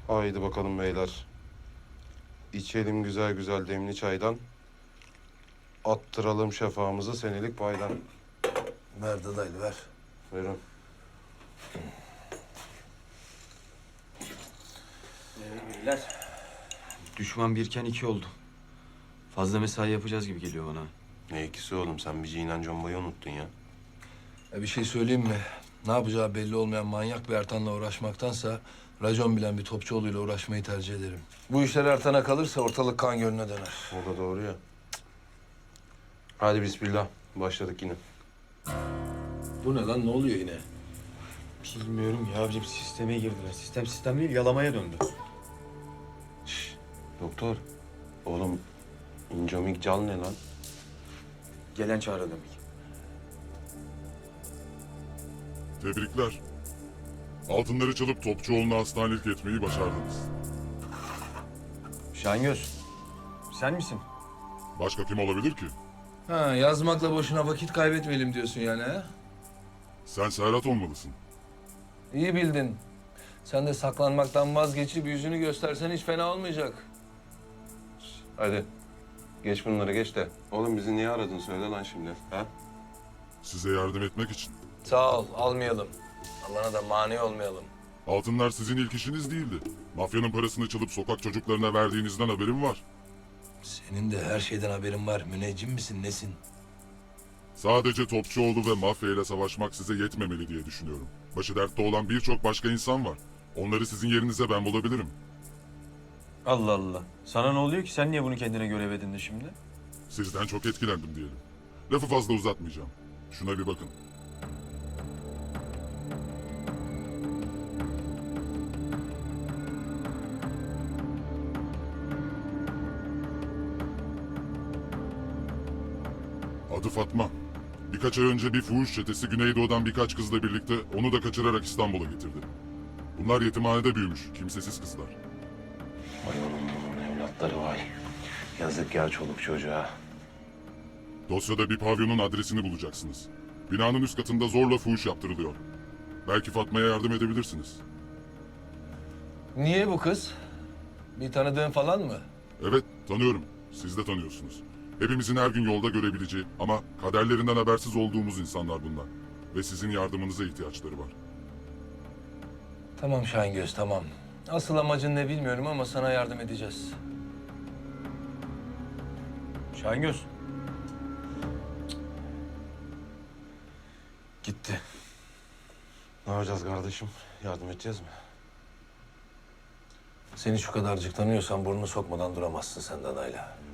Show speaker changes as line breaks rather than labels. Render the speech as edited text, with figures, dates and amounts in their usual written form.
Haydi bakalım beyler. İçelim güzel güzel demli çaydan. Attıralım şefamızı senelik paydan.
Ver dadaylı ver.
Buyurun.
Beyler. Düşman birken iki oldu. Fazla mesai yapacağız gibi geliyor bana.
Ne ikisi oğlum, sen bir Cinan Comba'yı unuttun ya.
Bir şey söyleyeyim mi? Ne yapacağı belli olmayan manyak bir Ertan'la uğraşmaktansa racon bilen bir Topçuoğlu'yla uğraşmayı tercih ederim. Bu işler Ertan'a kalırsa ortalık kan gölüne döner.
O da doğru ya. Hadi bismillah. Başladık yine.
Bu ne lan? Ne oluyor yine?
Bilmiyorum ya abicim, sisteme girdiler. Sistem değil, yalamaya döndü.
Doktor. Oğlum incomik cal ne lan?
Gelen çağrı demek.
Tebrikler. Altınları çalıp Topçuoğlu'na hastanelik etmeyi başardınız.
Şahingöz, sen misin?
Başka kim olabilir ki?
Ha, yazmakla boşuna vakit kaybetmeyelim diyorsun yani ha?
Sen Serhat olmalısın.
İyi bildin. Sen de saklanmaktan vazgeçip yüzünü göstersen hiç fena olmayacak.
Hadi. Geç bunları geç de. Oğlum bizi niye aradın söyle lan şimdi. Ha?
Size yardım etmek için.
Sağ ol, almayalım. Allah'ına da mani olmayalım.
Altınlar sizin ilk işiniz değildi. Mafyanın parasını çalıp sokak çocuklarına verdiğinizden haberim var.
Senin de her şeyden haberin var. Müneccim misin, nesin?
Sadece Topçuoğlu ve mafya ile savaşmak size yetmemeli diye düşünüyorum. Başı dertte olan birçok başka insan var. Onları sizin yerinize ben bulabilirim.
Allah Allah. Sana ne oluyor ki? Sen niye bunu kendine görev edindin şimdi?
Sizden çok etkilendim diyelim. Lafı fazla uzatmayacağım. Şuna bir bakın. Adı Fatma. Birkaç ay önce bir fuhuş çetesi Güneydoğu'dan birkaç kızla birlikte onu da kaçırarak İstanbul'a getirdi. Bunlar yetimhanede büyümüş, kimsesiz kızlar.
Vay oğlum bunun evlatları vay. Yazık ya çoluk çocuğa.
Dosyada bir pavyonun adresini bulacaksınız. Binanın üst katında zorla fuhuş yaptırılıyor. Belki Fatma'ya yardım edebilirsiniz.
Niye bu kız? Bir tanıdığın falan mı?
Evet, tanıyorum. Siz de tanıyorsunuz. Hepimizin her gün yolda görebileceği ama kaderlerinden habersiz olduğumuz insanlar bunlar. Ve sizin yardımınıza ihtiyaçları var.
Tamam Şahingöz, tamam. Asıl amacın ne bilmiyorum ama sana yardım edeceğiz.
Şahingöz. Gitti.
Ne yapacağız kardeşim? Yardım edeceğiz mi?
Seni şu kadarcık tanıyorsan burnunu sokmadan duramazsın sen Dana'yla.